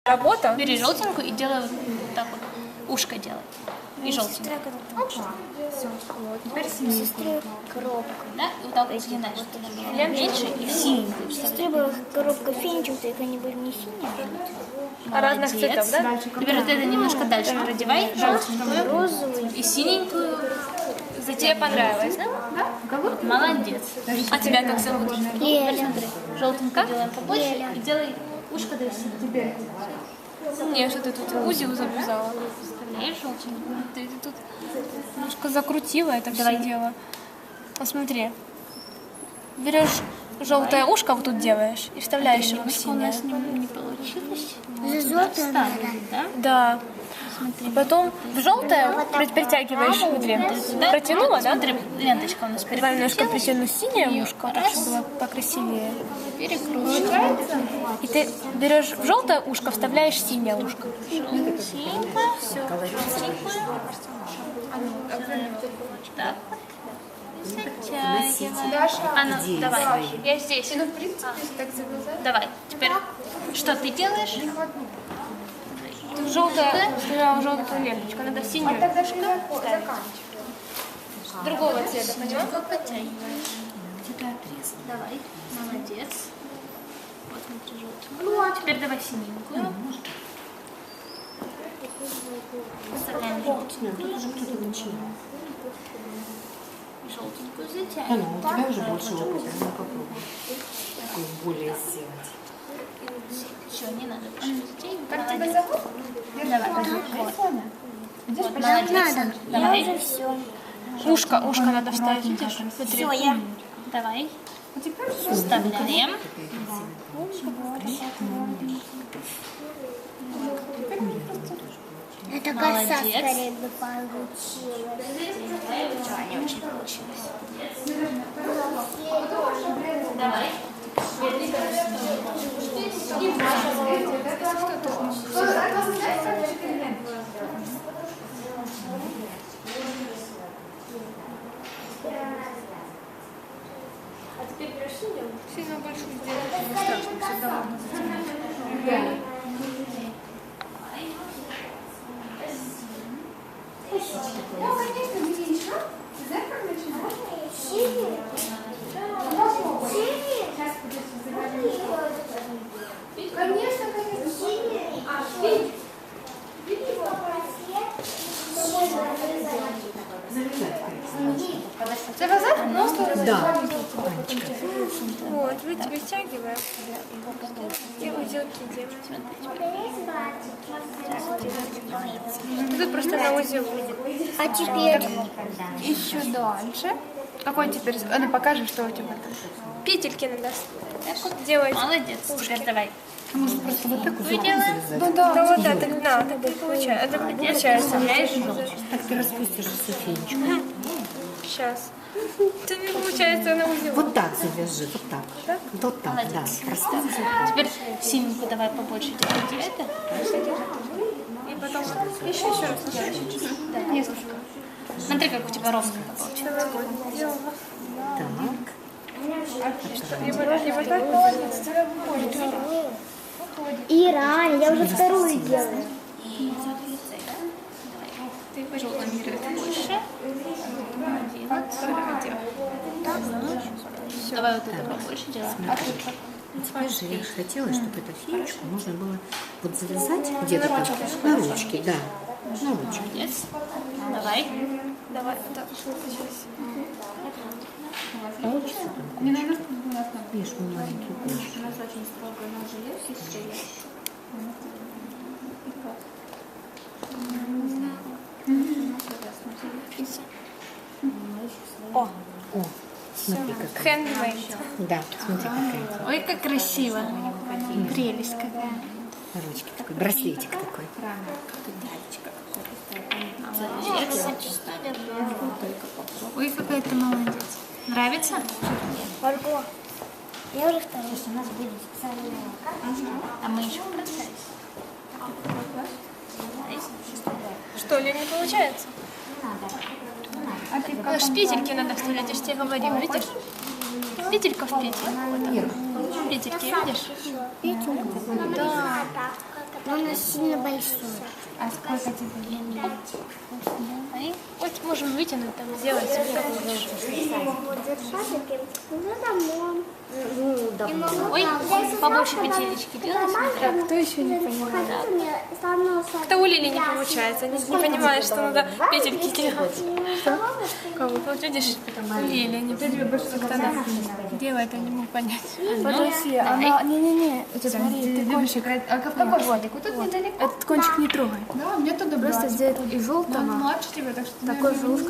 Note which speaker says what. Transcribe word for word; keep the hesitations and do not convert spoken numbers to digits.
Speaker 1: Работа?
Speaker 2: Бери желтенькую и делай вот так вот. Ушко делай. И желтенькую.
Speaker 1: Вот, теперь синий.
Speaker 3: Сестры коробка.
Speaker 2: Да? И вот так вот загинаешь. Меньше и синенькую.
Speaker 3: Сестры была коробка финичек, только они были не синие,
Speaker 1: А разных цветов, да?
Speaker 2: Теперь вот это немножко дальше продевай. Желтенькую.
Speaker 3: розовый.
Speaker 2: И синенькую.
Speaker 1: Тебе понравилось, да?
Speaker 2: Молодец.
Speaker 1: А тебя как зовут?
Speaker 3: Леля.
Speaker 2: Желтенькую делаем побольше. И делай ушко до синего.
Speaker 1: Не, что ты тут узел завязала.
Speaker 2: Вставляешь желтенькую.
Speaker 1: Ты тут немножко закрутила это все дело. Посмотри. Берешь желтое ушко, вот тут делаешь, и вставляешь его в
Speaker 2: У
Speaker 1: синее.
Speaker 2: нас не, не получилось.
Speaker 3: Золотое надо.
Speaker 2: Да?
Speaker 1: Да. И потом в желтое притягиваешь, смотри, протянула, да?
Speaker 2: Смотри, ленточка у нас
Speaker 1: Давай немножко
Speaker 2: перекрутилась.
Speaker 1: притяну синее ушко, так, чтобы было покрасивее.
Speaker 2: Перекручиваем.
Speaker 1: И ты берешь в желтое ушко, вставляешь синее ушко.
Speaker 2: Желтенькое. Все. Желтенькое. Так. Затягиваем. А ну, давай.
Speaker 1: Я здесь. Ну, в принципе, так завязать.
Speaker 2: Давай. Теперь, что ты делаешь?
Speaker 1: Желтая, вставляла желтую ленточку, надо синюю.
Speaker 3: Тогда ты заканчиваешь.
Speaker 1: Другого цвета, поняла?
Speaker 2: Подтягиваешь. Давай. Молодец. Вот смотри, желтенькую. Теперь давай синенькую. Вставляем желтенькую. Желтенькую затягиваем.
Speaker 4: У тебя уже больше опыта, ну попробуй. Такую более сделать.
Speaker 2: Еще не надо больше затягивать.
Speaker 1: Как тебя
Speaker 2: Молодец.
Speaker 1: зовут?
Speaker 2: Давай. Вот,
Speaker 3: Надо.
Speaker 2: молодец.
Speaker 3: Я
Speaker 2: Давай.
Speaker 3: уже все.
Speaker 1: Ушко, ушко надо вставить, видишь? Смотри.
Speaker 3: Все, я.
Speaker 2: Давай. Вставляем.
Speaker 3: Это коса
Speaker 2: Молодец.
Speaker 3: скорее бы получилась.
Speaker 2: Да, не очень получилось. Давай.
Speaker 1: А теперь берешь синюю. Сильно большую сделать не страшно, всегда можно затянуть.
Speaker 5: Ну, конечно, где еще? Ты знаешь, как начинаешь?
Speaker 3: Синий? Синий?
Speaker 5: Сейчас, подожди, заговорим. Конечно, конечно.
Speaker 3: Синий?
Speaker 5: А, синий.
Speaker 1: Завязать? Ну, что
Speaker 4: Да.
Speaker 1: Вот, вы тебе стягиваем. И узелки делаем. Тут просто на узел.
Speaker 3: А теперь?
Speaker 1: Еще дальше. Какой теперь? А ну покажем, что у тебя там. Петельки надо делать.
Speaker 2: Молодец. Теперь давай.
Speaker 4: Может, просто вот так уже
Speaker 2: Делаем.
Speaker 1: Ну да, да, вот да, так, да, так и получается. Это получается.
Speaker 2: Вставляешь.
Speaker 4: так ты распустишь Софинечку.
Speaker 1: Сейчас. Это не получается на узел.
Speaker 4: Вот так завяжи, вот так. Вот так, да. Расставь.
Speaker 2: Теперь синенькую давай побольше делай. Это.
Speaker 1: И потом еще еще раз делать.
Speaker 2: Да. Несколько. Смотри, как у тебя ровненько получилось.
Speaker 4: Так.
Speaker 1: И вот, и вот так.
Speaker 3: Ира, Аня, я уже вторую делаю.
Speaker 2: Ты желтенькую больше. Давай вот это побольше делаем. А тут как?
Speaker 4: Теперь же я же хотела, чтобы эту феечку можно было вот завязать где-то там на ручке, да, на ручке.
Speaker 2: Молодец. Давай.
Speaker 1: Давай, так.
Speaker 4: Получится там? Видишь, мой маленький кулачок.
Speaker 1: О,
Speaker 4: О, смотри, как.
Speaker 1: хендмейд.
Speaker 4: Да, смотри, какая.
Speaker 2: Ой, как красиво. Прелесть какая.
Speaker 4: На ручке такой, браслетик такой.
Speaker 2: Молодец. Ой, какая ты молодец. Нравится?
Speaker 3: Марго, я уже вторую. У нас будет специальная карта.
Speaker 2: А мы еще процесс.
Speaker 1: Что ли, не получается? А ж петельки надо вставлять, я же тебе говорила, видишь? Петелька в петель. Вот так. Петельки, видишь?
Speaker 3: Петельку?
Speaker 1: Да.
Speaker 3: Но она сильно большая.
Speaker 5: А сколько тебе?
Speaker 1: Они, вот можем вытянуть, там, сделать себе как хочешь.
Speaker 3: Вот держать таким. Ну, домой.
Speaker 4: Ну, да.
Speaker 2: Ой, побольше петелечки делай.
Speaker 1: Так, кто еще не понимает? Как-то у Лили не получается, не, не понимает, что надо петельки делать. Кого? Вот видишь, у Лили, не как-то она делает, я не могу понять.
Speaker 5: Подожди, она... Не-не-не, смотри, ты кончик... А в какой садик? Вот тут недалеко?
Speaker 1: Этот кончик не трогай.
Speaker 5: Да, мне туда
Speaker 1: Просто сделать из желтого
Speaker 5: младше тебя, так что...
Speaker 1: такой же ушко.